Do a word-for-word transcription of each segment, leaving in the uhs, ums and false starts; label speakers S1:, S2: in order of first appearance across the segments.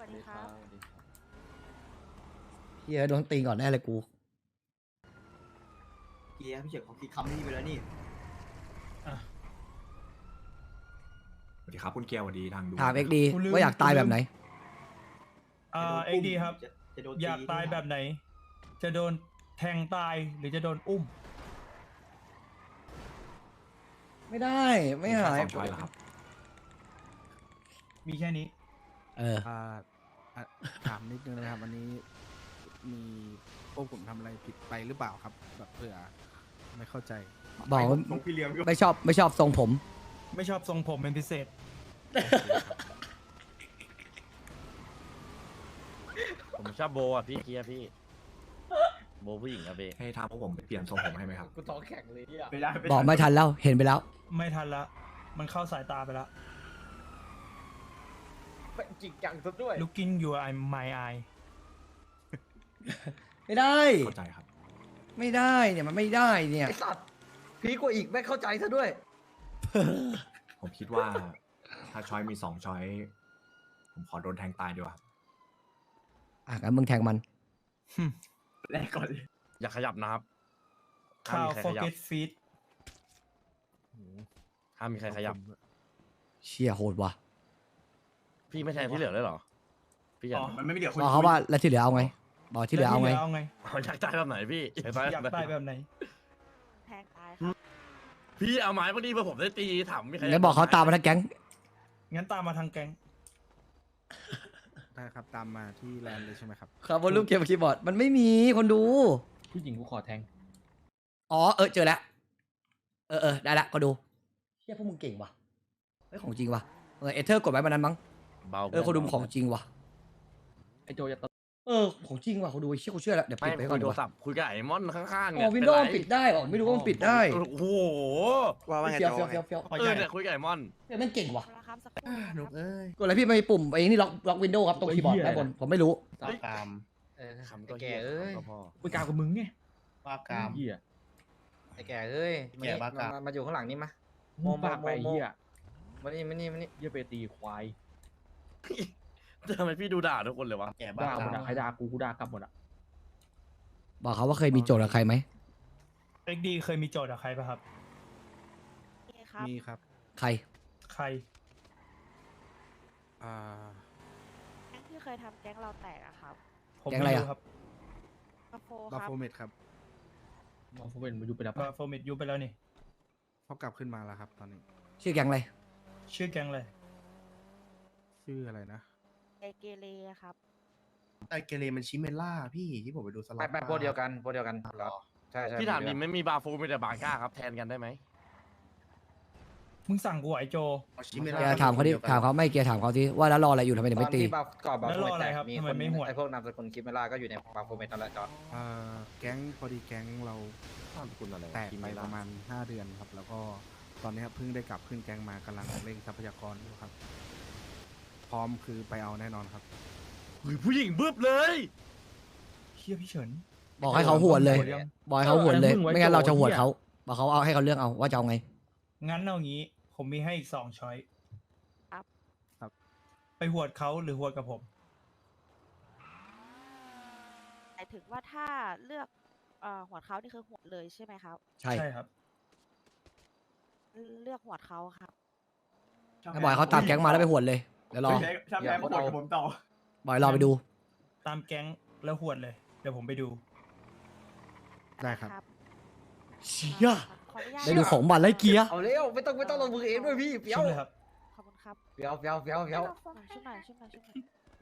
S1: วัสดีครับ
S2: เฮียโดนตีก่อนแน่เลยกู
S3: เกียร์พี่เฉิดเขาคิดคำนี้ไปแล้วนี่
S4: สวัสดีครับคุณเกียร์สวัสดีทางดู
S2: ถามเอ็กดี
S5: กูลืม
S2: ว่าอยากตายแบบไหน
S5: อ่าเอ็กดีครับ
S3: จะจะโดน
S5: อยากตายแบบไหน จะโดนแทงตายหรือจะโดนอุ้ม
S2: ไม่ได้ไม่หาย
S4: สองช้อยเหรอครับ
S5: มีแค่นี้
S2: เออ
S6: อ่าอ่ะถามนิดนึงนะครับวันนี้มีพวกผมทำอะไรผิดไปหรือเปล่าครับ แบบเผื่อไม่เข้าใจ
S2: บอกว่า
S3: น้องพี่เลี้ยงก็
S2: ไม่ชอบไม่ชอบทรงผม
S5: ไม่ชอบทรงผมเป็นพิเศษ
S7: ผมชอบโบอ่ะพี่เกียร์พี่ โบผู้หญิงอะเบ
S4: ให้ทางพวกผมไปเปลี่ยนทรงผมให้ไหมครับ
S1: กูท้องแข็งเลยเนี่ย
S3: ไม่ได้
S2: บอกไม่ทันแล้วเห็นไปแล้ว
S5: ไม่ทันละ มันเข้าสายตาไปแล้ว
S1: จริงจังซะด้วย
S5: looking your eye my eye
S2: ไม่ได้
S4: เข้าใจครับ
S2: ไม่ได้เนี่ยมันไม่ได้เนี่ย
S1: ไอสัตว์พีกว่าอีกไม่เข้าใจซะด้วย
S4: ผมคิดว่า ถ้าช้อยมีสองช้อย ผมขอโดนแทงตายดีกว่า
S2: อ่ะงั้นมึงแทงมัน
S3: แรกก่อนเลย
S7: อย่าขยับนะครับห้าม
S5: ข้าว
S7: มีใครขยับ
S5: forget feet
S7: ห้ามมีใครขยับ
S2: เชี่ยโหดว่ะ
S7: พี่ไม่แทนที่เหลือเลยเหรอ พี่อยาก
S3: อ๋อมันไม่มีเดี๋ยวคน
S2: บอกเขาว่าแล้วที่เหลือเอาไงบอกที่เหลือเอาไง
S5: แล้วเอาไง
S7: เอาอยากตายแบบไหนพี่อยากตาย
S5: อยาก
S7: แบบ
S5: ตาย
S7: ไหน
S5: แบบไหน
S1: แทงตายครับ
S7: พี่เอาไม้พอดีเพื่อผมได้ตีถามมีใคร
S2: งั้นบอกเขาตามมาทั้งแก๊ง
S5: งั้นตามมาทางแก๊ง
S6: ได้ครับตามมาที่แลนด์เลยใช่ไหมครับ
S2: ครับบนรูปเกมคีย์บอร์ดมันไม่มีคนดู
S1: ผู้หญิงกูขอแทง
S2: อ๋อเออเจอแล้วเออเออได้ละก็ดูเชี่ยพวกมึงเก่งว่ะเฮ้ยของจริงว่ะเออเอเธอร์กดไว้มันนั้นมั้ง
S7: เบา
S2: เออคนดูของจริงว่ะ
S1: ไอโจจะต
S2: เออของจริงว่ะคนดูไอ้เชี่ยกูเชื่อแล้วเดี๋ยว
S7: ไม่
S2: ปิดไปก่
S7: คุ
S2: อน
S7: ย
S2: ดี
S7: โท
S2: ก
S7: ร
S2: ว่า
S7: ศัพท์คุยกับไอ้มอนข้างๆ
S2: อ๋
S7: เนี่
S2: อย วินโดว์มันปิดได้เหรอไม่รู้ว่ามันปิดได้
S7: โอ้โห
S6: ว่าว่าไง
S2: เฟี้ยว
S6: โจ
S2: เฟี้ยวเฟี้ยวเฟี้ยว
S7: เออเนี่ยคุยกับไอ้มอน
S2: เฮ้ยแม่งเก่งว่ะ
S1: แล้วครับสักครู่
S6: หนุกเอ้ย
S2: กดอะไรพี่ไม่มีปุ่มไอ้นี่ล็อกล็อกวินโดว์ครับตรงคีย์บอร์ดด้านบนผมไม่รู้
S1: ตามตามเออ
S7: คำก็
S1: ไอ้แก
S7: เหี้ย
S1: เอ้ย
S7: ก็พอ
S5: คุยกาวกับมึงไง
S1: บ้ากามเหี้ยไอ้แกเอ้ยแกบ้ากามมาอยู่ข้างหลังนี่มาโมโมโมโมมานี่มานี่มานี่เยี่ยไปตีควาย
S7: ทำไมพี่ดูด่าทุกคนเลยวะ
S1: แกบ้ากามใครด่ากูกูด่ากลับหมดอ่ะ
S2: บอกเขาว่าเคยมีโจทย์กับใครไหม
S5: เอ็กดีเคยมีโจทย์กับใครป่ะครับ
S6: มีครับ
S2: ใคร
S5: ใคร
S6: อ่า
S8: แก๊งที่เคยทำแก๊งเราแตกอะครับ
S5: ผม
S2: แก๊งอะไร
S5: ไม่
S2: อะ
S5: รู้ครับ
S8: กาโฟ
S6: บา
S8: ครับ
S6: โฟเมดครับ
S1: มองฟูเป็นมาอยู่ไปแล้ว
S5: บาโฟมิดยูไปแล้วนี่
S6: เขากลับขึ้นมาแล้วครับ ตอนนี้
S2: ชื่อแก๊งอะไร
S5: ชื่อแก๊งเลย
S6: ชื่ออะไรนะ
S8: ไอเกเรครับ
S9: ไอเกเรมันชิเมล่าพี่ที่ผมไปดูสล็อ
S1: ไป
S9: ต
S1: ไปโปรเดียวกันโปรเดียวกันเหรอใช่ใช่
S7: พี่ถามดิไม่มีบาฟูมีแต่บาก้าครับแทนกันได้ไหม
S5: มึงสั่งกูไอโจ
S9: ชิเม
S2: แก
S9: ล่า
S2: ถามเขาดิถามเขาไม่แกถามเขาดิว่าแล้วรออะไรอยู่ทำไมถึง
S1: ตอ
S2: ไม่
S1: น
S2: ตี
S1: ที่บาก่อนบา
S5: แล้ว
S1: โฟ
S5: รอ
S1: เมต
S5: อะไร
S1: แตก
S5: ครับ
S1: มี
S5: ทำ
S1: ค
S5: ไม
S1: น
S5: ไม่หวด
S1: ไอพวกนามสกุลคิมเมล่าก็อยู่ในบาโฟเมตนั่นแหละจอร์
S6: อ่าแก๊งพอดีแก๊งเรา
S7: นามสกุลอะไรวะ
S6: แตก
S7: พี่
S6: ไป
S7: ไม่
S6: ป
S7: ล่
S6: ระมาณห้าเดือนครับ แล้วก็ตอนนี้ครับเพิ่งได้กลับขึ้นแก๊งมากำลังเร่งทรัพยากรอยู่ครับ พร้อมคือไปเอาแน่นอนครับ
S7: เฮ้ยผู้หญิงบึ้บเลย
S5: เชี่ยพี่เฉิน
S2: บอกให้เขาหวดเลย
S5: หวดยัง
S2: บอกให้เขาหวดเลย
S1: เออมึงไว้
S2: ไม่งั้นเราจะหวด
S1: โจร
S2: เขาบอกเขาเอาให้เขาเลือกเอาว่าจะเอาไง
S5: งั้นเอางี้ ผมมีให้อีกสองช้อย
S8: ครับ
S6: ครับ
S5: ไปหวดเขาหรือหวดกับผม
S8: หมายถึงว่าถ้าเลือกเอ่อหัวเขานี่คือหัวเลยใช่ไหมครับ
S2: ใช่
S5: ใช่ครับ
S8: เลือกหัวเขาครับ
S2: ถ้าบอกให้เขาตามแก๊งมาแล้วไปหวดเลยเดี๋ยวรอ
S3: ใช่ใช่แม่ผมผมต่อ
S2: บอกให้รอไปดู
S5: ตามแก๊งแล้วหวดเลย เดี๋ยวผมไปดู
S6: ได้ครับ
S2: เชี่ย
S8: ขออนุญาต
S2: ได้ดูของบัตรไล่เกียร์
S1: เอาเร็วไม่ต้องไม่ต้องลงมือเองด้วยพี่เปียว
S5: ชุบเลยครับ
S8: ขอบคุณครับ
S1: เปียวเปียวเปียวเปียว
S8: ช่วยหน่อยช่วยหน่อยช่วยหน่อย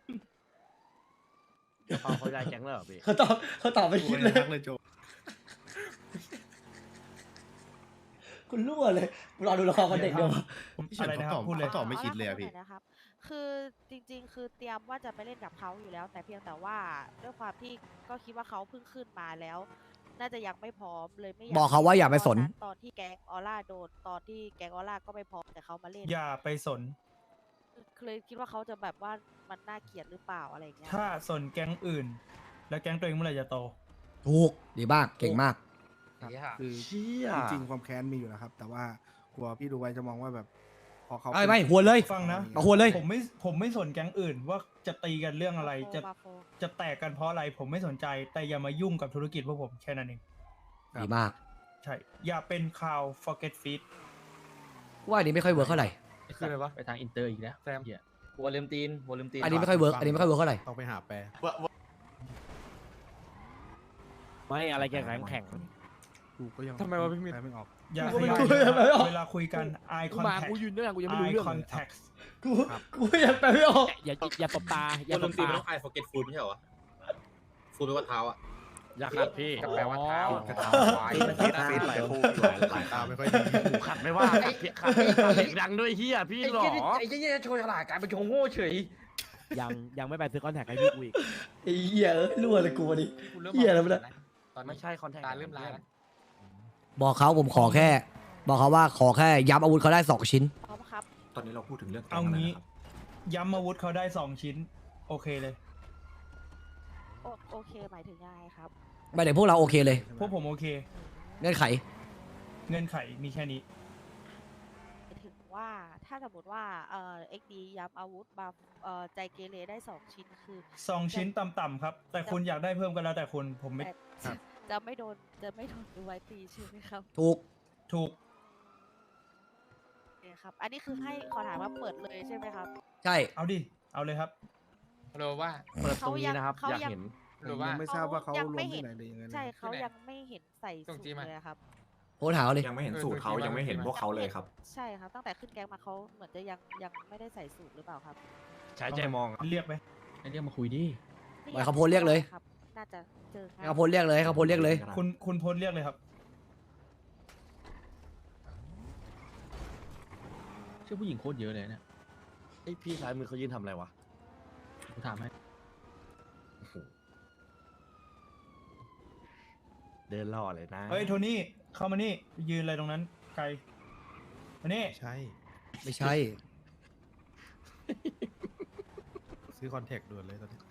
S7: เขาเขาย้ายแก๊งแล้วเหรอพี่
S2: เขาตอบเขาตอบไม่คิดเลย
S9: เลยโจ
S2: คุณรั่วเลยรอดูละครกันเด็กเดียว
S9: พี่เฉิน
S5: อะไร
S9: เขา
S5: นะค
S9: ต
S5: รั
S9: อ
S5: บบ พูดเลย
S9: เขาตอบไม่คิดเลยอะพี่
S8: ขออนุญาตขอหน่อยนะครับ คือจริงๆ คือเตรียมว่าจะไปเล่นกับเขาอยู่แล้ว แต่เพียงแต่ว่าด้วยความที่ก็คิดว่าเขาเพิ่งขึ้นมาแล้ว น่าจะยังไม่พร้อมเลยไม่อยาก
S2: บอกเขาว่าอย่าไปสน
S8: ตอนที่แก๊งออร่าโดนตอนที่แก๊งออร่าก็ไม่พร้อมแต่เขามาเล่น
S5: อย่าไปสน
S8: เลยคิดว่าเขาจะแบบว่ามันน่าเกลียดหรือเปล่าอะไรอย่างเงี้ย
S5: ถ้าสนแก๊งอื่น แล้วแก๊งตัวเองเมื่อไหร่จะโต
S2: ถูกดีมากเก่งมาก
S6: ครับคือ
S7: เชี่ย
S6: จริงๆความแค้นมีอยู่นะครับ แต่ว่ากลัวพี่ดูไว้จะมองว่าแบบพอเขา
S2: ไม่ไม่หัวเลย
S5: ฟังนะ
S2: เอาหัวเลย
S5: ผมไม่ผมไม่สนแก๊งอื่นว่าจะตีกันเรื่องอะไร จะ
S8: บาโฟ
S5: จะแตกกันเพราะอะไร ผมไม่สนใจ แต่อย่ามายุ่งกับธุรกิจพวกผมแค่นั้นเอง
S2: ดีมาก
S5: ใช่ อย่าเป็นข่าว forget feed
S2: ว่าอันนี้ไม่ค่อยเวิร์กเท่าไหร่
S1: คืออะไรวะไปทางอินเตอร์อีกแล้วแซมหัวลืมตีนหัวลืมตีน
S2: อันนี้ไม่ค่อยเวิร์กอันนี้ไม่ค่อยเวิร์กเท่าไหร่
S6: ต้องไปหาแปล
S7: ไม่อะไรแกแข็งแข็ง
S6: กูก็ยัง
S1: ทำไมวะพี่มิตร
S6: แปลไม่ออก
S5: อย่า
S2: กู
S5: ข
S2: ไม่
S5: ยับ
S2: รู้เลยไม่ออก
S5: เวลาคุยกัน eye
S10: กูมา
S5: contact
S10: กูยืนด้วยกันกูยังไม่รู้
S5: eye
S10: เรื่องเลย
S5: contact
S2: กูกูยังแปลไม่ออก
S10: อย่าอย่าตบตาอย่าตบตา
S1: ไอโฟเกตฟูดไม่ใช่เหรอฟูดแปลว่าเท้าอ่ะ
S7: อย่าขัดพี่
S1: ก็แปลว่าเท้า
S10: อ๋อ
S1: เท้าควาย
S4: ฟีดฟีดหลายคู่หลายหลาย
S6: ตา
S4: ตา
S6: ไม่ค่อยดี
S7: หูขัดไม่ว่าพี่ขัดพี่ขัดเสียงดังด้วยเฮียพี่
S1: ไอ้
S7: หรอ
S1: เหี้ยไอ้เหี้ยโชว์ฉลาดกลายเป็นโชว์โง่เฉย
S10: ยังยังไม่ไปซื้อคอนแทคให้พี่กูอีก
S2: ไอ้เหี้ยเอ้ยรั่วเลยกูวันนี้ เหี้ยอะไรวะเนี่ย
S7: ไม่ใช่คอนแทค
S1: ตาเริ่มลายแล้ว
S2: บอกเขาผมขอแค่ บอกเขาว่าขอแค่ย้ำอาวุธเขาได้สองชิ้น
S8: พร้อมครับ
S4: ตอนนี้เราพูดถึงเรื่อง
S5: เอางี้
S4: แก๊งแล้วนะครับ
S5: ย้ำอาวุธเขาได้สองชิ้น โอเคเลย
S8: โอโอเคหมายถึงยังไงครับ
S2: ไม่ได้พวกเราโอเคเลย
S5: พวกผมโอเค
S2: เงื่อนไข
S5: เงื่อนไขมีแค่นี้
S8: หมายถึงว่าถ้าสมมติว่าเอ่อเอ็กดีย้ำอาวุธบาเอ่อใจเกเรได้สองชิ้นคือ
S5: สองชิ้นต่ำๆครับ แต่คุณอยากได้เพิ่มก็แล้วแต่คุณ ผมไม่
S8: แต่จะไม่โดนจะไม่โดนดูไว้ตีใช่ไหมครับ
S2: ถูก
S5: ถูก
S8: โอเคครับ อันนี้คือให้ขอถามว่าเปิดเลยใช่ไหมครับ
S2: ใช่
S5: เอาดิ เอาเลยครับ
S1: โรว่า
S7: เปิดตรงนี้นะครับ
S8: เขา
S7: อยาก
S8: ยัง
S7: เห็น
S6: ผมยังไม่ทราบว่าเขา
S8: ยัง
S6: ล
S8: ไม่
S6: ง
S8: เห็
S6: ที่
S8: น
S6: ไหนเลยยังไงนะ
S8: ใช่เขา
S1: ที่ไหน
S8: ยังไม่เห็นใส่
S1: ส่
S8: สู
S1: ง
S8: ต
S1: จี้
S8: ร
S1: มา
S8: เลยอะครับ
S2: โพสต์หาเขาเลย
S4: ยังไม่เห็นสูตรเขา
S1: เออ
S4: ยังไม่เห็นพวกเขาเลยครับ
S8: ใช่ครับ ตั้งแต่ขึ้นแก๊งมาเขาเหมือนจะยังยังไม่ได้ใส่สูตรหรือเปล่าครับ
S7: ใช้ใจมอง
S5: เรียกไหม
S1: ไอ้เรียกมาคุยดิ
S2: ปล่อยเขาโพสต์เรียกเลย
S8: ครับ น่าจะเจอ
S2: ให้เขาโพสต์เรียกเลยให้เขาโพสต์เรียกเลย
S5: คุณคุณโพสต์เรียกเลยครับ
S1: ชื่อผู้หญิงโคตรเยอะเลยเนี่ย
S7: ไอพี่ซ้ายมือเขายืนทำอะไรวะ
S1: กูถามให้
S7: เดินล่อเลยนะ
S5: เฮ้ย โทนี่ เข้ามานี่ ยืนอะไรตรงนั้น ไกลมานี่
S6: ใช่
S2: ไม่ใช่
S6: ซื้อคอนแทคด่วนเลยตอนนี้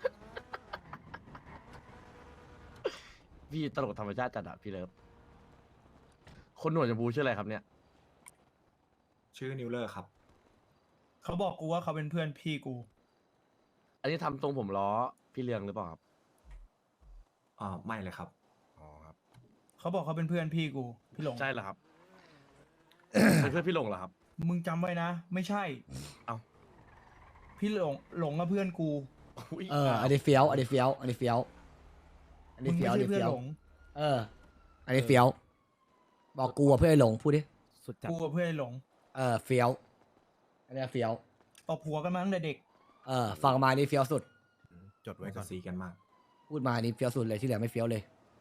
S7: พี่ตลกธรรมชาติจัดอะพี่เลิฟคนหนวดชมพูชื่ออะไรครับเนี่ย
S4: ชื่อนิวเลอร์ครับ
S5: เขาบอกกูว่าเขาเป็นเพื่อนพี่กู
S7: อันนี้ทำตรงผมล้อพี่เลืองหรือเปล่าครับ
S4: อ่าไม่เลยครับ
S7: อ๋อครับ
S5: เขาบอกเขาเป็นเพื่อนพี่กู พี่หลง
S7: ใช่เหรอครับ เป็นเพื่อนพี่หลงเหรอครับ
S5: มึงจำไว้นะ ไม่ใช่
S7: เอ้า
S5: พี่หลง หลงกับเพื่อนกู
S7: อุ๊ย
S2: เออ อันนี้เฟี้ยว อันนี้เฟี้ยว อันนี้เฟี้ยว อัน
S5: มึ
S2: นี้
S5: ง
S2: เฟี้
S5: ไม่
S2: ยว อัน
S5: ใช่
S2: นี้
S5: เพื่อน
S2: เฟี้ยว
S5: หลง
S2: เออ อันนี้เฟี้ยว บอกกูอะเพื่อนไอ้หลงพูดดิ
S10: สุดจัด
S5: กูกับเพื่อนหลง
S2: เออ เฟี้ยว อันนี้เฟี้ยว
S5: ตบหัวกันมาตั้งแต่เด็ก
S2: เออ ฟังมานี่เฟี้ยวสุด
S6: จดไว้
S4: ไว้
S6: ก่
S4: กั
S6: อบ น
S4: ซีกันมาก
S2: พูดมานี่เฟี้ยวสุดเลยที่เหลือไม่เฟี้ยวเลย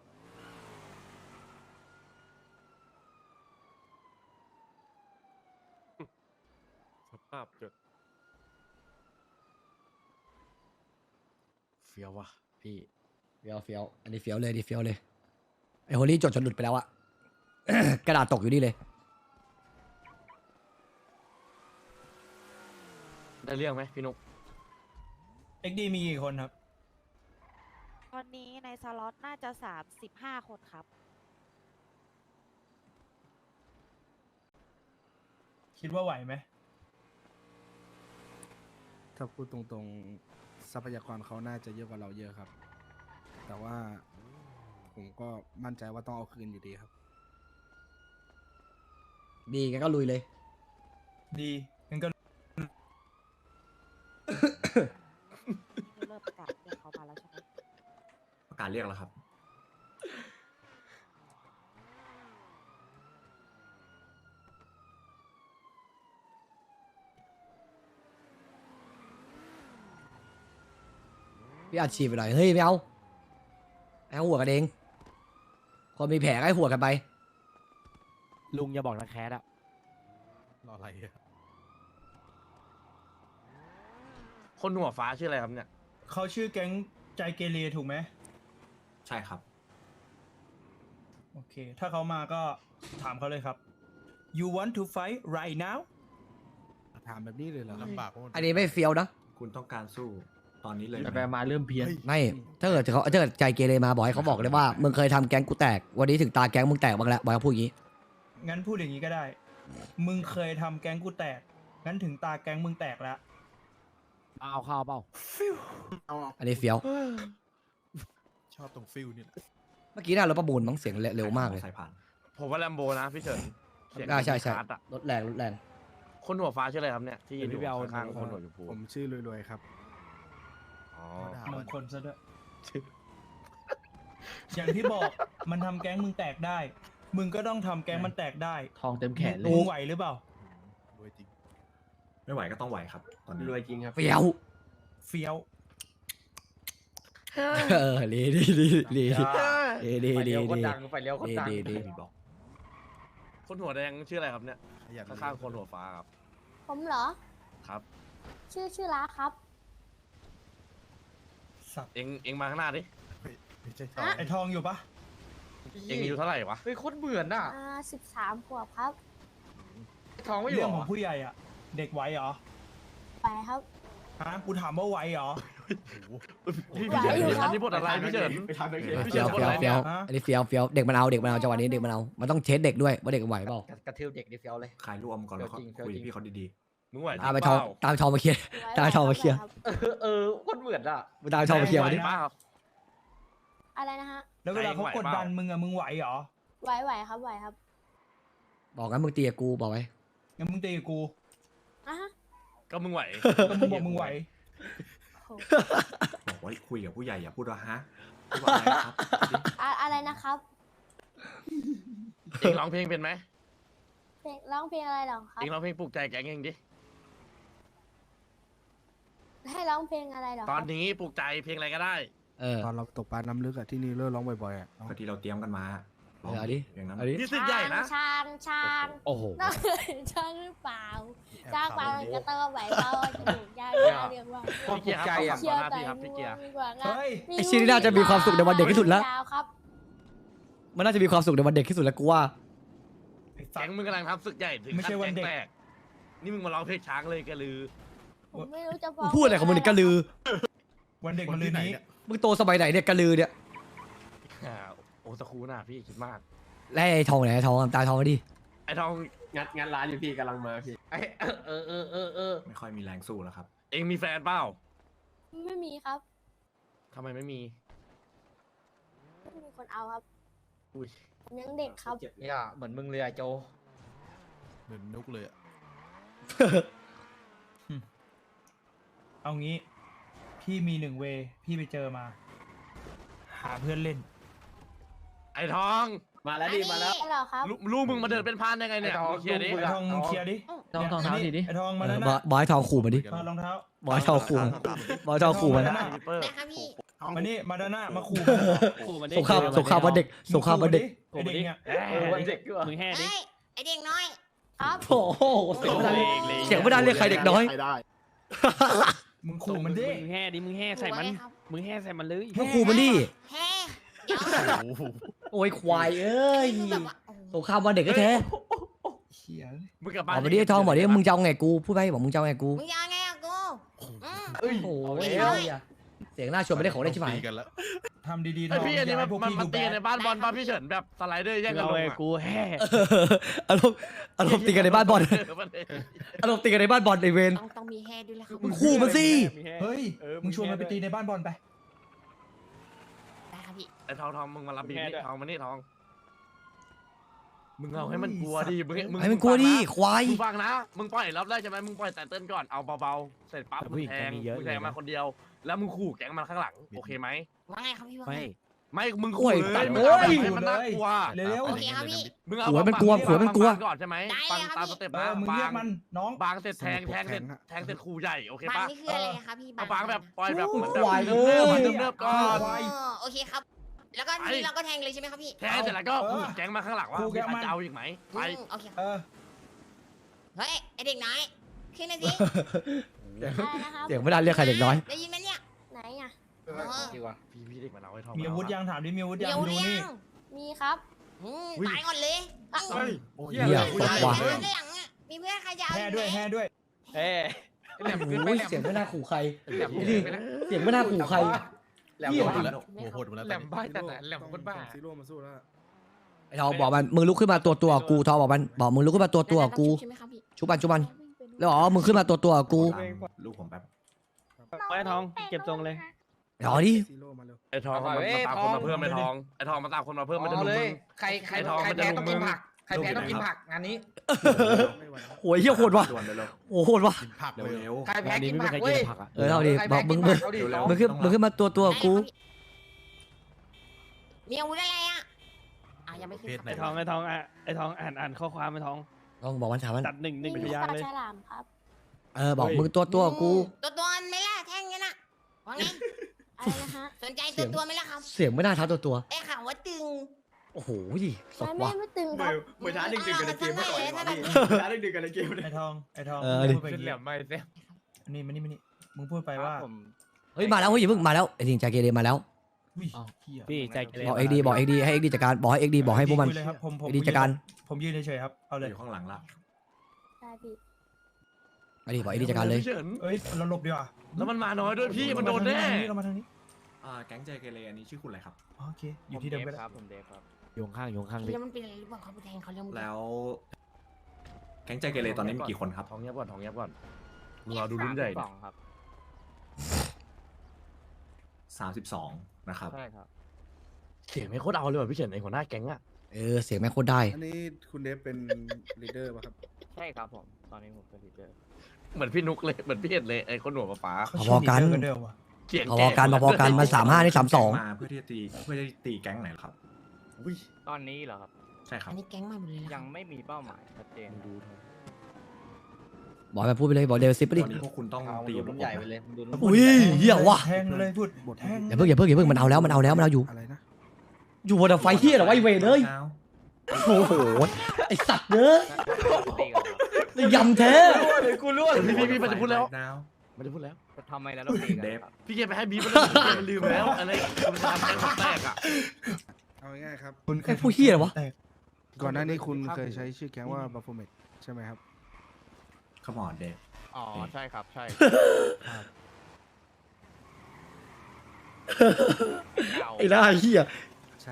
S7: สภาพจดเฟี้ยววะพี่
S2: เฟี้ยวเฟี้ยว อันนี้เฟี้ยวเลยอันนี้เฟี้ยวเลย ไอ้โฮลี่จดจนหลุดไปแล้วอะ กระดาษตกอยู่นี่เลย
S7: ได้เรื่องไหมพี่นุก
S5: เอ็กดีมีกี่คนครับ
S8: ตอนนี้ในสล็อตน่าจะสามสิบห้าคนครับ
S5: คิดว่าไหวไหม
S6: ถ้าพูดตรงๆ ทรัพยากรเขาน่าจะเยอะกว่าเราเยอะครับ แต่ว่าผมก็มั่นใจว่าต้องเอาคืนอยู่ดีครับ
S2: ดีงั้นก็ลุยเลย
S5: ดีงั้นก็
S8: เริ่มประกาศเรื่องเขามาแล้วใช่ไหม
S4: ประกาศเรียกแล้วครับ
S2: พี่อัดฉีดไปหน่อย เฮ้ย ไม่เอาให้หัวกันเอง คนมีแผลก็ให้หัวกันไป
S10: ลุงอย่าบอกนะแคสอะ
S6: รออะไรอะ
S7: คนหัวฟ้าชื่ออะไรครับเนี่ย
S5: เขาชื่อแก๊งใจเกเรถูกไหม
S4: ใช่ครับ
S5: โอเค ถ้าเขามาก็ถามเขาเลยครับ you want to fight right now
S6: ถามแบบนี้เลยเหรอลำบากโคตร
S2: อันนี้ไม่เฟี้ยวนะ
S4: คุณต้องการสู้ตอนนี้เลยไห
S1: แต่
S4: ม
S1: ไปมาเริ่มเพี้ยน
S2: ไม่ ถ้าเกิดเขาถ้าเกิดใจเกเรมาบอกให้เขาบอกเลยว่า มึงเคยทำแก๊งกูแตก วันนี้ถึงตาแก๊งมึงแตกบ้างแล้วบอกให้เขาพูดอย่างนี้
S5: งั้นพูดอย่างนี้ก็ได้ มึงเคยทำแก๊งกูแตกงั้นถึงตาแก๊งมึงแตกแล้ว
S10: เอาข้าวเปล่า
S2: อันนี้เฟี้ยว
S6: ชอบตรงฟิลนี่แหละ
S2: เมื่อกี้น่ารถประมูลมั้งเสียงเร็วมากเลย
S4: ใส่ผ่าน
S7: ผมว่าแลมโบนะพี่เฉินเสียง
S2: อ่าใช่ใช่
S7: คาร์ดอะ
S2: รถแรงรถแรง
S7: คนหัวฟ้าชื่ออะไรครับเนี่ยที่ยืนอยู่
S10: เดี๋ยวพี่ไปเอา
S7: ข้างๆคนหัวชมพู
S6: ผมชื่อรวยๆครับ
S7: อ๋อ
S5: มงคลซะด้วย อย่างที่บอกมันทำแก๊งมึงแตกได้ มึงก็ต้องทำแก๊งมันแตกได้
S1: ทองเต็มแขนเล
S5: มึ
S1: ย
S5: งไหวหรือเปล่า
S6: รวยจริง
S4: ไม่ไหวก็ต้องไหวครับ ตอนนี้
S3: รวยจริงครับ
S2: เฟี้ยว
S5: เฟี้ยว
S2: เออดีดีดีดีดี ดี
S1: ไฟ
S2: ดี
S1: เลี้ยวโคตร
S2: ดี
S1: ดังไฟเลี้ยวโคตรดัง
S2: ดีดี
S4: พี่บอก
S7: คนหัวแดงชื่ออะไรครับเนี่ย
S6: ขยัน
S7: ข้างๆคนหัวฟ้าครับ
S11: ผมเหรอ
S7: ครับ
S11: ชื่อชื่อร้าครับ
S5: สับ
S7: เอ็งเอ็งมาข้างหน้าดิ
S6: ไม่ใช่
S11: อ่ะ
S5: ไอทองอยู่ปะ
S7: เอ็งอายุเท่าไหร่วะ
S1: เฮ้ยโคตรเหมือนอ่ะ
S11: อ่าสิบสามขวบครับ
S1: ทองไม่อยู่
S5: เรื่อง
S1: เหร
S5: ของ
S1: อ
S5: ผู้ใหญ่อ่ะ เด็กไหวเหรอ
S11: ไปครับ
S5: ฮะกูถามว่าไหวเหรอ
S7: พี่
S11: ไหว
S7: พี่เฉิน
S11: อยู่ครับ
S7: อันนี้บทอะไรพี่เฉิน
S3: ไปทำไปเฉย
S7: พี่
S2: เฟี้ยว
S7: เฉิน
S2: เฟี้ยว
S7: คนไหน
S2: เฟี้ยว
S5: ฮะ
S2: อันนี้เฟี้ยวเฟี้ยวเด็กมันเอาเด็กมันเอาจังหวะนี้เด็กมันเอามันต้องเทสเด็กด้วยว่าเด็กไหวเปล่า
S1: กระทืบเด็กดิเฟียวเลย
S4: คลายรวมก่อนแล้วก็
S1: เฟี้ยวจริงเฟี้ยว
S4: คุย
S1: จริง
S4: พี่เขาดี
S7: มึงไหว
S2: ตามไปทองตามทองมาเคลียร์ ตามทองมาเคลียร์
S11: ครับ
S1: เออเออโคตรเหมือนอ่ะ
S2: มึงตามทองมาเคลียร์
S7: ไหว
S2: มาดิ
S7: เปล่า
S11: อะไรนะฮะ
S5: แล้วเวลาเขากดดันมึงอะมึงไหวเหรอ
S11: ไหวไหวครับไหวครับ
S2: บอกงั้นมึงตีกับกูบอกไว้
S5: งั้นมึงตีกับกู
S11: อ่ะฮะ
S7: ก็มึงไหว
S5: ก็มึงบอกมึงไหว
S11: โห
S4: ๆ บอกว่าคุยกับผู้ใหญ่อย่าพูดว่าฮะพูดว่าอะไรครับ
S11: อะอะไรนะครับ
S7: เอ็งร้องเพลงเป็นไหม
S11: เพลงร้องเพลงอะไรเหรอครับ
S7: เอ็งร้องเพลงปลุกใจแก๊งเองดิ
S11: ให้ร้องเพลงอะไรเหรอค
S7: ต
S11: รั
S7: อบ นนี้ปลุกใจเพลงอะไรก็ได้
S2: เออ
S6: ตอนเราตกปลาน้ำลึกอะที่นี่เลิกร้องบ่อยๆอะเอา
S4: พอดีเราเตรียมกันมา
S2: เออเอาดิ
S4: อย่างนั้น
S2: เอาดิ
S7: นี่สึกใหญ่นะ
S11: ช้างช้าง
S10: โอ้โห
S11: น้องช้างหรือเปล่าช้างเปล่าก็ต้องไหวเปล่าจมูกยาวๆเรียกว่า
S1: ความปลุกใจอ่ะ
S11: เชี่ยว
S7: หน้า
S11: ใจ
S7: ที่ครับพี่เกียร์
S11: มีกว่า
S5: เฮ้ย
S2: ไอ้ชิ้นนี้น่าจะมีความสุขในวันเด็กที่สุดแล้ว
S11: ยาวครับ
S2: มันน่าจะมีความสุขในวันเด็กที่สุดแล้วกูว่า
S5: ไอ้สั
S7: แก๊
S5: ต
S7: ง
S5: ว์
S7: มึงกำลังทำศึกใหญ่ถึง
S5: ไม่ใช่วันเด็ก
S7: ขั้แก๊งแตนี่มึงมาร้องเพลงช้างเลยกระลือ
S11: ผมไม่รู้จะบ
S2: มึ
S11: อง ก
S2: พูดอะไรของมึงเนี่ยกระลือ
S5: วันเด็กมันลืนนี้
S2: มึงโตสมัยไหนเนี่ยกระลือเนี่ย
S7: อ่าโอตะคูน่ะพี่คิดมาก
S2: แล้วไอ้ทองไหนไอ้ทองตาทองมาดิ
S7: ไอ้ทอง
S3: งัดงัดร้านอยู่พี่กำลังมาพี่
S1: ไอเออเออเออเออ
S4: ไม่ค่อยมีแรงสู้แล้วครับ
S7: เอ็งมีแฟนเปล่า
S11: ไม่มีครับ
S7: ทำไมไม่มี
S11: ไม่มีคนเอาครับ
S7: อุ้ย
S11: ผมยังเด็กครับ
S1: เนี่ยเหมือนมึงเลยอะโจ
S6: เหมือนนุกเลยอะ
S5: เอางี้ พี่มีหนึ่งเวย์พี่ไปเจอมา หาเพื่อนเล่น
S7: ไอ้ทอง
S3: มาแล้วดิมาแล้ว
S11: ไม่หรอกครับ
S7: ลูกลูกมึงมาเดินเป็นพานได้ไงเนี่ย
S1: ไอ้ทอง
S7: มึงเคลียร์ดิ
S5: ไอ้ทองมึงเคลียร์ดิ
S1: ทองทองเท้าดิดิ
S5: ไอ้ทองมา
S2: เอ
S5: แล้ว
S2: อ
S5: นะ
S2: บอยบอยทองขู่มาดิ
S5: ถอดรองเท้า
S2: บอยทองขู่มาบอยทองขู่มา
S5: ไอ้ท
S2: นะ
S5: อง
S7: พี่เปอร์
S11: นะครับพี่
S5: มานี่มาด้านหน้ามาขู่
S10: ขู่มันดิ
S2: สงครามสงครามวันเด็กสงครามวันเด็ก
S5: ไอเด็กเนี่ย
S1: เออวันเด็กด้วย
S10: มึงแห่ดิ
S11: เฮ้ยไอเด็กน้อย ครับ
S2: โอ้โหเสียงไม่ได้เสียงไม่ได้เรียกใครเด็กน้อย
S5: มึงขู่มันดิ
S10: มึงแห่ดิ มึงแห่ใส่มัน มึงแห่ใส่มันเลย
S2: มึงขู่มันดิ
S11: แฮ่เดี๋ยว
S2: โอ้ยควายเอ้ย
S11: คือแบบว่าโอ้โห
S2: สงครามวันเด็กก็แท้
S5: เฮีย
S7: มึงกลับ
S2: บ
S7: บ้า
S2: อน กมาดิไอ้ทองบอกดิมึงจะเอาไงกูพูดไปบอกมึงจะเอาไงกู
S11: มึงยังไงอะกูอืม
S2: โอ้โหเสียงหน้าชวนไม่ได้ของได้ใช่ไหม
S6: ตีกันแล้ว
S5: ทำดีๆ
S7: ไอ้
S5: ทอง
S7: พี่อันนี้
S5: อย่า
S7: มั
S5: ให้
S7: น
S5: พวก
S7: มัน
S5: พี่
S7: มัน
S5: ดู
S7: ตี
S5: แบ
S7: ใน
S5: ด
S7: บ้านบอลป่ะพี่เฉินแบบสไลเดอร์แย่ง
S10: มึง
S7: กัน
S10: เอา
S7: ลง
S10: ไอ้
S7: อะ
S10: กูแห่
S2: เอออารมณ์อารมณ์ตีกันในบ้านบอล
S7: เออมันเอง
S2: อารมณ์ตีกันในบ้านบอลในเวร
S11: ต้องต้องมีแฮ่ด้วยแหละครับ
S2: มึงขู่มันสิ
S5: เฮ้ยมึงชวนมันไปตีในบ้านบอลไป
S11: ได้ครับพี่
S7: ไอ้ทองทองมึงมารับบีนี่ทองมานี่ทอง มึงเอาให้มันกลัวดิมึงมึง
S2: ให้มันกลัวดิควาย
S7: มึงฟังนะ มึงปล่อยรับได้ใช่ไหมมึงปล่อยแต่เต้นก่อน เอาเบาๆ เสร็จปั๊บมึงแทงมึงแทงมาคนเดียว แล้วมึงขู่แก๊งมันข้างหลัง โอเคไหม
S11: ว่าไงครับพี่ว่า
S10: ไม่
S11: ไง
S7: ไม่ มึง
S2: โอ้
S7: ขู่
S2: ย
S7: เล
S2: ตัด
S7: ยมึงเอา
S2: เอ้ย
S7: ให้มันน่ากลัว
S5: เร็ว
S11: โอเคครับพี่
S7: มึงเอา
S2: ขู่ให้มันกลัวขู่ให้มันกลัว
S7: บางก่อนใช่ไหม
S11: ได้
S7: ฟัง
S11: เลยครับ
S7: ตามสเต็ป
S5: เอ
S7: นะ
S5: อมึงเรียก
S7: บาง
S5: มันน้อง
S7: บางเสร็จแทงแทงเสร็จแทงเสร็จขู่ใหญ่โอเค
S11: บัง
S7: ปะ
S11: นี่คืออะไรครับพี่
S7: เอาบางแบบปล่อยแบบ
S2: โอ้
S7: เหมือน
S2: ย
S7: แบบ
S2: ควาย
S7: เนิ
S2: เอ้ย
S7: บๆเนิบๆก่อน
S5: ควาย
S11: อ๋อโอเคครับ แล้วก็ทีนี้เราก็แทงเลยใช่ไหมครับพี่
S7: แทงเสร็จแล้วก็ขู่แก๊งมาข้างหลังว่า
S5: ขู่แก๊งมัน
S7: จะเอาอีกไหมไป
S11: อืมโอเคครับ
S5: เออ
S11: เฮ้ยไอเด็กน้อยขึ้นเลยสิอะไรนะครับ
S2: เสียงไม่ได้เรียกใครเด็กน้อย
S11: ได้ยินไหมเนี่ยไหนอะ
S1: ดีกว่า
S7: พี่พี่เด็กมาเอาไว้ทอง
S5: มีอาวุธยังถามดิมีอาวุธ
S11: เดี๋
S5: ยั
S11: ย
S5: ง
S11: ว
S5: ดู
S11: เรีย
S5: นี่
S11: งมีครับอืมตายก่อนเลยอ่ะ
S7: เฮ้ย
S2: เหี้ยโคตรว่ะ
S11: เพื่อนด้านหลังอะมีเพื่อนใครจะเอา
S5: แห่ด้วยแห่ด้วย
S10: เฮ้
S2: โอ้ยเสียงไม่น่าขู่ใครนี่เสียงไม่น่าขู่ใคร
S1: แหลม
S2: เหี้ย
S1: บ้า
S6: แล้วโอ้โหโหดหมดแล้ว
S1: แหลมบ้าจัดอะแหลมโคตรบ้า
S6: ซีโร่มาสู้แล้ว
S2: ไอ้ทองบอกมันมึงลุกขึ้นมาตัวตัวกูทองบอกมันบอกมึงลุกขึ้นมาตัวตัวกู
S11: ใช่ไหมครับพี่
S2: ชุบมันชุบมันแล้วอ๋อมึงขึ้นมาตัวตัวๆกู
S4: ตามลูกผมแป๊บ
S10: ไอ้ทองเก็บทรงเลย
S2: รอดิ
S6: ซีโร่มาเร็ว
S7: ไอ้ทองมันมาตามคนมาเพิ่มไอ้ทองไอ้ทองมาตามคนมาเพิ่มมันจะ
S1: อ๋อ
S7: ลุม
S1: เล
S7: มึ
S1: ย
S7: ง
S1: ใครใคร
S7: ไอ้ทอง
S1: ใคร
S7: มันจะ
S1: แพ้
S7: ลุ
S1: ต้อง
S7: มมึ
S1: กิน
S7: ง
S1: ผักใครแพ้ต้องกินผักงานนี้
S6: ไม่ไหวแล้ว
S2: โหยเหี้ยโหดว่ะ
S4: ด่วนเร็ว
S2: โอ้โหโหดว่ะ
S6: กินผัก
S4: ๆเร็ว
S6: เลย
S4: เร็ว
S1: ใครแพ้
S10: งานนี้
S1: กิน
S10: ไม่มี
S1: ผัก
S10: ใคร
S1: เว้
S10: กิ
S1: ย
S10: นผักอ่ะ
S2: เออเอาดิ
S1: ใคร
S2: บ
S1: แพ้
S2: อกมึ
S1: กิ
S2: ง
S1: น
S2: มึ
S1: ผั
S2: ง
S1: กเอาดิ
S4: เร็ว
S1: น้อง
S2: มึงขึ้นมึงขึ้นมาตัวตัวๆกู
S11: มีอาวุธอะไรอ่ะอ่ะยังไม่ขึ้น
S10: ไอ้ทองไอ้ทองอ่ะไอ้ทองอ่านอ่านข้อความไอ้ทอง
S2: ต้องบอกวันถามมัน
S10: จัดหนึ่งหนึ่ง
S11: มี
S10: พ
S11: ลูก
S10: ยาง
S11: ปลา
S10: เลย
S11: ฉลามครับ
S2: เออบอกมึงตัวตัวๆกู
S11: ตัวตัวๆไหม่ล่ะแท่งนี้น่ะว่าไงอะไรนะฮะสนใจตัวตัวๆไหม่ล่ะครับ
S2: เสียงไม่น่าท้าตัวตัว
S11: ได้ข่าวว่าตึง
S2: ๆโอ้โหดิสด
S11: ไม่
S2: ว่ะ
S11: ไม่ตึงครับ
S3: เหมือนท้าดึกๆกันในเกมเมื่อก่อนเลยว่ะพี่ท้าดึกๆกันในเกมเลย
S5: ไอ้ทองไอ้ทอง
S2: เออ
S5: มึง
S2: ดิ
S5: พูดไปอย่างงี้นี่มานี่มานี่มึงพูดไปว่า
S2: เฮ้ยมาแล้วเฮ้ยอย่าเพิ่งมาแล้วไอ้จริงใจเกเรมาแล้ว
S5: อุ้ยเหี้ย
S10: พี่ใจเกเร
S2: บอกเอ็กดีบอกเอ็กดีให้เอ็กดีจัดการบอกให้เอ็กดีบอกให้พวกมัน
S5: คุยเลยครับผมผม
S2: เอ็กดีจัดการ
S5: ผมยืนเฉยๆครับเอาเลย
S4: อยู่ข้างหลังละ
S11: ได้พี่
S2: ไอ้ดีบอกเอ็กดีจัดการเลย
S7: พี่เฉิน
S5: เอ้ยเราหลบดีกว่า
S7: แล้วมันมาน้อยด้วยพี่มันโดนแน่
S5: เรามาทางนี้
S4: อ่าแก๊งใจเกเรอันนี้ชื่อคุณอะไรครับ
S5: โอเคอยู่ที่เดิมไปแล้ว
S10: อยู่ข้างอยู่ข้างดิ
S11: แล้วมันเป็นอะไรหรือเปล่าเขาไปแทงเขาเรื่อง
S4: แล้ว แก๊งใจเกเรตอนนี้มีกี่คนครับ
S7: ทองเงียบก่อนทองเงียบก่อนมึงรอดูรุ่นใหญ่ดิ
S4: สามสิบสองนะครับ
S7: เสียงไม่โคตรเอาเลยว่ะพี่เฉินไอ้หัวหน้าแก๊งอะ
S2: เออเสียงแม่งโคตรได้
S6: อันนี้คุณเดฟเป็นลีดเดอร์ป่ะครับ
S10: ใช่ครับผมตอนนี้ผมเป็นลีดเดอร์
S7: เหมือนพี่นุกเลยเหมือนพี่เห็นเลยไอ้คนหัวฟ้า
S5: เขา
S2: พอๆกัน
S5: ชื่ลีดเดร์เดิมว่ะ
S7: เสียง
S2: พอๆกันพอๆกันมันสามห้านี่สามสอง
S4: มาเพื่อที่จะตีเพื่อที่จะตีแก๊งไหนเหรอครับ
S10: ตอนนี้เหรอครับ
S4: ใช่ครับ
S11: อันนี้แก๊งใหม่หมดเลยนะ
S10: ยังไม่มีเป้าหมายชัดเจนดู
S2: บอกไปพูดไปเลยบอกเดวิดซิปไป
S4: ต
S2: ดิ
S4: อนนี้พวกคุณต้อง
S1: เอา
S4: ตี
S1: ดู
S4: กับ
S1: รุ่น
S4: ผม
S1: ใหญ่ไป
S4: นะ
S1: เลยดู
S2: อุ้ยเหี้ยว่ะ
S5: แทงเลยพูด
S6: บท
S5: แทง
S2: อย่าเพิ่งอย่าเพิ่งอย่าเพิ่งมันเอาแล้วมันเอาแล้วมันเอาอยู่
S6: อะไรนะ
S2: อยู่บนไฟเฮียเหรอวะไอเวรเลยโอ้โหไอสัตว์เนื้อยำแท้
S7: กูรู้พี่พี่พี่มันจะพูดแล้ว
S4: ดาว
S7: มันจะพูดแล้ว
S10: ทำไมแล้วเราตีกัน
S4: เดฟ
S7: พี่เกมไปให้บีมันมันลืมแล้วอะไรคุณทำแก๊งแตกอะ
S6: เอาง่ายๆครับ
S5: คุณ
S2: ไอ้ผู้เหี้ยเหรอวะ
S5: แตก
S6: ก่อนหน้านี้คุณเคยใช้ชื่อแก๊งว่าบัฟเฟเมตใช่ไหมครับ
S4: ขมอนเดฟ
S10: อ๋อใช่ครับใช่
S2: ไอ้หน้าเฮีย
S6: ใช่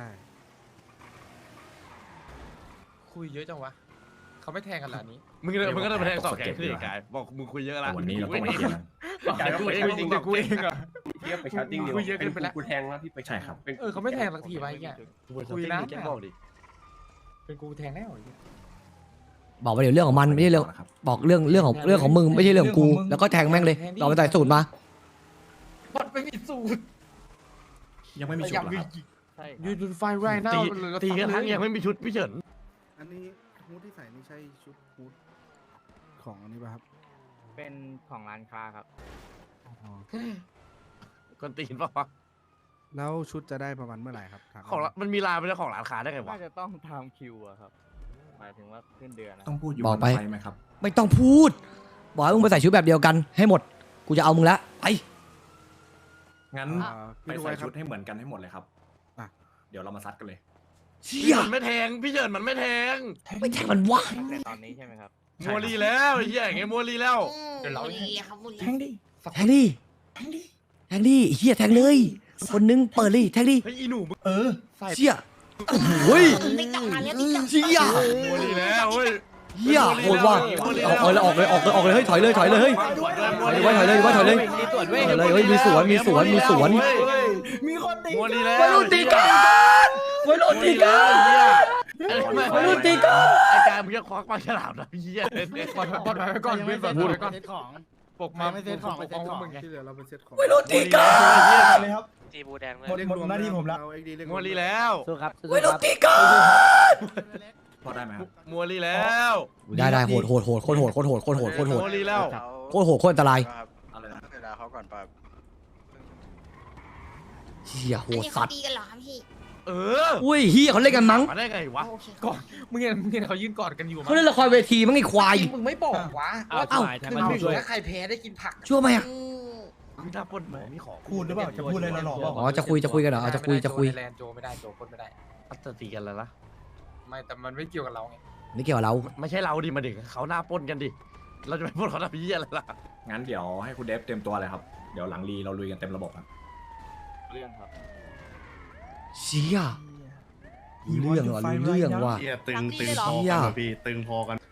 S1: คุยเยอะจังวะเขาไม่แทงกันหรอนี้
S7: มึงมึงก็ต้องไปแทงสองแก๊งที่กายบอกมึงคุยเยอะ
S4: แต่
S7: ละ
S4: วันนี้เราต้องมาเคลียร์กัน
S3: กายก็ไป
S7: เอ
S3: เอง ง
S7: จริง
S3: แต่
S7: แต่
S3: กู
S7: กู
S3: เอ
S7: เอง ง
S3: อะเทียบไปชาร์ติ้งเดียว
S1: คุยเยอะเกินไปแล้ว
S3: กูแทงแล้วพี่ไป
S4: ใช่ครับ
S1: เออเขาไม่แทงสักทีวะไอ้เหี้ย
S7: คุยนะแกบอกดิ
S1: เป็นกูแทงแน่หรอ
S2: บอกไปเดี๋ยวเรื่องของมันไม่ใช่เรื่อง
S4: นะครับ
S2: บอกเรื่องเรื่องของเรื่องของมึงไม่ใช่เรื่องของกู แล้วก็แทงแม่งเลยเราไปใส่สูตรมา
S1: บอดไม่มีสูตร
S4: ยังไม่มีชุดเหรอครับ
S10: ใช่
S1: ยูดูไฟไรน่า
S7: ตีตีกันทั้งยังไม่มีชุดพี่เฉิน
S6: อันนี้ฮูดที่ใส่นี่ใช่ชุดฮูดของอันนี้ป่ะครับ
S10: เป็นของร้านค้าครับ
S7: คนตีนป่ะ
S6: แล้วชุดจะได้ประมาณเมื่อไหร่ครับถาม
S7: ของมันมีลายเป็นเจ้าของร้านค้าได้ไงวะ
S10: น่าจะต้องทำคิวอะครับหมายถึงว่าขึ้นเดือนนะ
S4: ต้องพูดอยู่
S2: บอก
S4: บน
S2: ไป
S4: ไฟไหมครับ
S2: ไม่ต้องพูด บอกให้มึงไปใส่ชุดแบบเดียวกันให้หมด กูจะเอามึงละไป
S4: งั้น
S6: อ่า
S4: ไป
S6: พี่ดู
S4: ใส่
S6: ไว้ครั
S4: ชุ
S6: บ
S4: ดให้เหมือนกันให้หมดเลยครับ
S6: อ่ะ
S4: เดี๋ยวเรามาซัดกันเลย
S2: เชี่
S7: พี่
S2: ย
S7: เฉินไม่แทงพี่เฉินมันไม่แทง
S2: ไม่แทงมันวะ
S10: แต่ตอนนี้ใช่ไหมครับ
S7: มัวรีแล้วไอ้เหี้ยไงมัวรีแล้ว
S11: เดี๋ยวเราดีครับบุ
S5: แทงดิ
S2: แทงดิแทงดิไอ้เฮียแทงเลย คนนึงเปิดเลยแทงดิ
S7: เฮ้ยอีหนูมึง
S5: เออ
S2: เชี่ยโอ้ย
S11: ติ๊กต๊อกมาแล้วติ๊กต๊อก
S2: เชี่ย
S7: มัวรีแล้วเฮ้ย
S2: เฮียโหดว่ะเอาเลยออกเลยออกเลยออกเลยเฮ้ยถอยเลยถอยเลยเฮ้ย ถอยเลยถอยเลยถอยเลย
S10: มีตรวจเว้ย
S2: ถอยเลยเฮ้ยมีสวนมีสวนมีสวน
S5: มีคนตี
S7: มัวรีแล้ว
S2: วัยรุ่นตีกันวัยรุ่นตีกัน วัยรุ่นตีกัน
S7: ไอ้กายมึงจะควักปลาฉลามนะพี่เหี้ย
S1: บอดบอดไว้ก่อนเว้ยบอดไว้ก่อน
S10: ของ
S1: ปกมาไม่เซ็ตของไม่เซ็ตของ
S6: ที่เหลือเราเป็นเซตของ
S2: วัยรุ่นตีกัน
S5: เลยครับ
S10: จีบูแดงเลย
S5: หมดหมดหน้าที่ผมละ
S6: เอา เอ็กซ์ดีเรียก
S7: มัวรีแล้ว
S10: สู้ครับสู้
S2: วัยรุ่น
S10: ครับ
S2: ตีกัน
S4: พอได้ไหมครับ
S7: มัวรีแล้ว
S2: ได้ได้โหดโหดโหดโคตรโหดโคตรโหดโคตรโหดโคตรโหด
S7: มัวรีแล้ว
S2: โคตรโหดโคตรอันตราย
S4: อะไรนะ
S10: เวลาเขาก่อนป่ะ
S2: เฮียโห
S11: อัน
S2: ด
S11: นี้
S2: สั
S11: เขา
S2: ตว์
S11: ตีกันเหรอครับพี่
S7: เออ
S2: อุ้ยเฮียเขาเล่นกันมั้ง
S7: มาได้ไงวะ
S11: โอเค
S1: ก่อนมึงเห็นมึงเห็นเขายืนกอดกันอยู่มั้
S2: เขาเล่นละครเวทีมั้งไอ้ควาย
S1: มึงไม่บอกวะ
S10: อ้าว
S2: เอ้า
S10: ทำไมทำ
S1: คือ
S10: ไม
S1: มัน
S10: ไม่
S1: ไม่
S10: ช่วย
S1: ถ้าใครแพ้ได้กินผัก
S2: ชั่วไหมอ่ะ
S11: อืม
S7: มีหน้าปนหมอมีของ
S5: พูดหรือเปล่าจะพูดอะไรหล่อๆเปล่า
S2: อ๋อจะคุยจะคุยกันเหรอเอาจะคุยจะคุย
S1: แลนโจไม่ได้โจคนไม่ได้
S7: อัตตีกันแล้วนะ
S1: ไม่แต่มันไม่เกี่ยวกับเราไง
S2: ไม่เกี่ยวกับเรา
S7: ไม่ใช่เราดิมาดิเขาหน้าปนกันดิเราจะไปพูดเขาทำพี่อะไรล่ะ
S4: งั้นเดี๋ยวให้คุณเดฟเตรียมตัวเลยครับ เดี๋ยวหลังรีเราลุยกันเต็มระบบครับ
S10: เรื่องครับ
S2: เชี่ยรู้เรื่องว่ะรู้เรื่องว่ะ
S11: ตึงตึง
S2: เชี่ย
S11: ค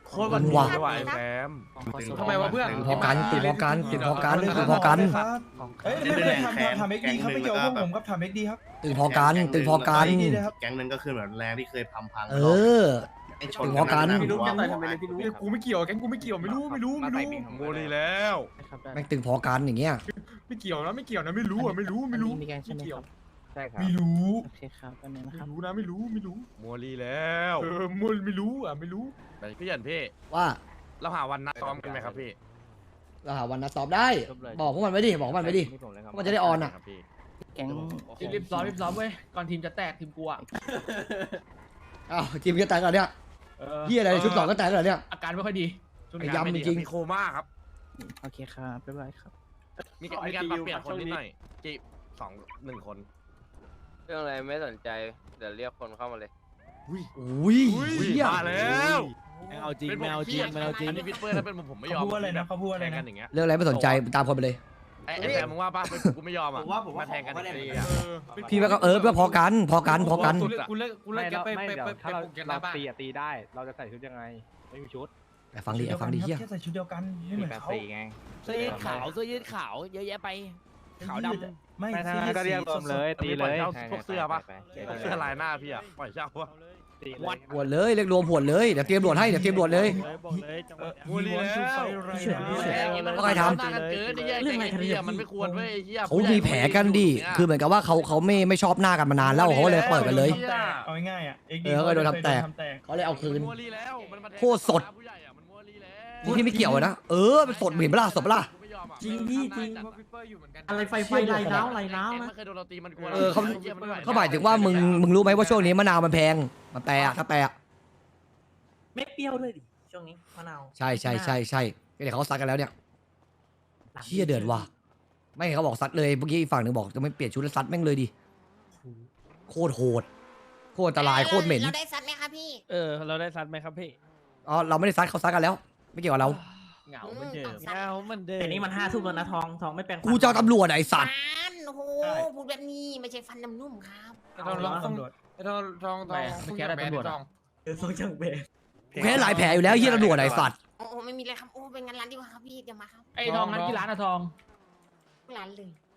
S7: โคตรวัน
S2: ว่ะ
S7: ไม่ไหวแซม
S1: ทำไมวะเพื่อน
S2: ตึงพอกันตึงพอกันตึงพอกันตึงพอกัน
S5: เอ้ยไม่ไม่ทำทำเอ็กดีครับไม่เกี่ยวกับพวกผมครับทำเอ็กดีครับ
S2: ตึงพอกันตึงพอกัน
S5: ดีเลยครับ
S9: แก๊งหนึงก็คือเหมือนแรงที่เคยพังพัง
S2: เออ
S9: ไอ้ช
S2: ถึ
S9: น
S2: งพอกัน
S9: พี่นุ๊ก
S3: ทำไมไม่เล่นพี่นุ๊กกูไม่เกี่ยวแก๊งกูไม่เกี่ยวไม่รู้ไม่รู้ไม่รู้
S7: โมลีแล้ว
S2: แม่งตึงพอกันอย่างเงี้ย
S3: ไม่เกี่ยวนะไม่เกี่ยวนะไม่รู้อ่ะไม่รู้ไม่รู้
S10: มีแกงใช่ไหม
S3: เกี่
S10: ค
S3: ยว
S10: รับใช่ครับ
S5: ไม่รู้
S10: โอเคครับแป๊บนึงนะ
S3: ไม่
S10: ครับ
S3: รู้นะไม่รู้ไม่รู้
S7: โมลีแล้ว
S3: เออมันไม่รู้อ่ะไม่รู้
S7: พี่หยันพี่
S2: ว่า
S7: เราหาวันนัดซ้อมกันไหมครับพี่
S2: เราหาวันนัดซ้อมได้ บอกพวกมันไว้ดิบอกพวกมันไว้ดิ
S10: นี่ผมเลยครับ
S2: มันจะได้ออนอ่ะ
S7: ครับพี่
S10: แก๊ง
S1: รีบซ้อมรีบซ้อมเว้ยก่อนทีมจะแตกทีมกูอ่ะ
S2: อ้าวทีมก็แตกแล้วเนี่ยพี่อะไรชุดสองก็แตกแล้วเนี่ย
S1: อาการไม่ค่อยดีช่วงนี้
S2: ย้ำจริง
S7: มีโคม่าครับ
S10: โอเคครับบ๊ายบายครับ
S7: มีการมีการปรับเปลี่ยนคนนิดหน่อยจีบสองหนึ่งคน
S10: เรื่องอะไรไม่สนใจเดี๋ยวเรียกคนเข้ามาเลย
S2: อุ้ยเหี้ย
S7: มาแล้ว
S6: เอาจริงไม่เอาจริงไม่เอาจริง
S7: อันนี้พิทเปอร์ถ้าเป็นผมผมไม่ยอม
S5: เขาพูดอะไรนะเขาพูดอะไร
S7: แทงกั
S5: นะ
S7: นอย่างเงี้ย
S2: เรื่องอะไรไม่สนใจตามคนไปเลย
S7: ไอ้ไอ้แซมมึงว่าป่ะเป็นกูไม่ยอมอ่ะ
S3: ผมว่าผมว่า
S7: มาแทงกัน
S3: ขอ
S7: อย่าง
S3: ได้
S7: เงี้ย
S3: เออ
S2: พี่ว่าก็เออก็พอกันพอกันพอกัน
S1: กูเลิกกูเลิกกูเลิกแกไปไปไปไป
S10: ถ้าเรา
S1: ปลุกแกห
S10: เรา
S1: น้าบ้าน
S10: ตีอะตีได้ เราจะใส่ชุดยังไง ไม่มีชุด
S2: แต่ฟังดิแต่ฟังดิเฮีย
S5: แค่ใส่ชุดเดียวกันไม่เหมือน
S10: แปด
S5: เขา
S10: สี่ไง
S12: เสื้อยืดขาวเสื้อยืดขาวเยอะแยะไป ขาวดำ
S5: ไม่
S10: ไม่ทางนั้นก็เรียกรวมเลย ตีเลย
S7: พวกเสื้อป่ะพวกเสื้อลายหน้าพี่อ่ะปล่อยเช่าป่ะ
S10: ตีเลย
S2: หวดเลยเรียกรวมหวดเลยเดี๋ยวเตรียมหวดให้เดี๋ยวเตรียมหวดเลย
S10: บอกเลยจังหวะ
S7: มูลีแล้ว
S2: ก็ใครทำ
S7: หน้ากันเกินไอ้เหี้ยเรื่องอะไรกันเนี่ยมันไม่ควรเว้ยไอ้เหี้ย
S2: เขามีแผลกันดิคือเหมือนกับว่าเขาเขาไม่ไม่ชอบหน้ากันมานานแล้วเขาก็เลยเปิดกันเลย
S5: เอาง่ายๆอ่ะ
S2: เออก็โดนทำแตก เขาเลยเอาคืน
S7: มัวลีแล้วมันมาแทง
S2: โคตรสด
S7: ผู้ใหญ่อะมันมัวลีแล้ว
S2: นี่ที่ไม่เกี่ยวนะเออมันสดเห็นปะล่ะสดปะล่ะ
S7: กูไม่ยอมอะ
S12: จริงพี่จริง
S7: มัน
S1: พิทเปอร์อยู่เหมือนกัน
S12: อะไรไฟไฟไหลน้ำไหลน้ำ
S7: แก๊ง
S12: นะ
S7: ไม่เคยโดนเราตีมันกลัว
S2: เออเขา
S7: ไหี้ยมันไม่ไหว
S2: เขาหมายถึงว่ามึงมึงรู้ไหมว่าช่วงนี้มะนาวมันแพงมันแปรอะถ้าแปรอะ
S12: ไม่เปรี้ยวด้วยดิช่วงนี้มะนาว
S2: ใช่ใช่ใช่ใช่เดี๋ยวเขาซัดกันแล้วเนี่ยเชี่ยเดือดว่ะไม่เขาบอกซัดเลยเมื่อกี้อีกฝั่งหนึ่งบอกจะไม่เปลี่ยนชุดแล้วซัดแม่งเลยดิโคตรโหดโคตรอันตรายโคตรเหม็น
S11: เราได้ซัดไหมคะพี่
S10: เออ เราได้ซัดไหมครับพี่
S2: อ๋อเราไม่ได้ซัดเขาซัดกันแล้ว ไม่เกี่ยวกับเรา
S1: เหงาเหมือนเดิม
S10: เงามันเดิม
S12: แต่นี่มันห้าทุ่มแล้วนะทองทองไม่แปลงฟัน
S2: กูจะเอาตำรวจไอ้สัตว์
S11: ฟันโอ้โหพูดแบบนี้ไม่ใช่ฟันน้ำนุ่มครับ
S5: เอาลองตำรวจ
S1: ทองทองทองไม่แค่ได้ตำรวจ
S12: เออทรงจังเบะ
S2: แพ้หลายแผลอยู่แล้วเฮียตำรวจไอ้สัตว์
S11: โอ้โหไม่มีเลยครับโอ้เป็นงานร้านดีกว่าครับพี่เดี๋ยวมาครับ
S1: ไอ้ทองนั้นที่ร้านอะทอง
S11: ร้านเลย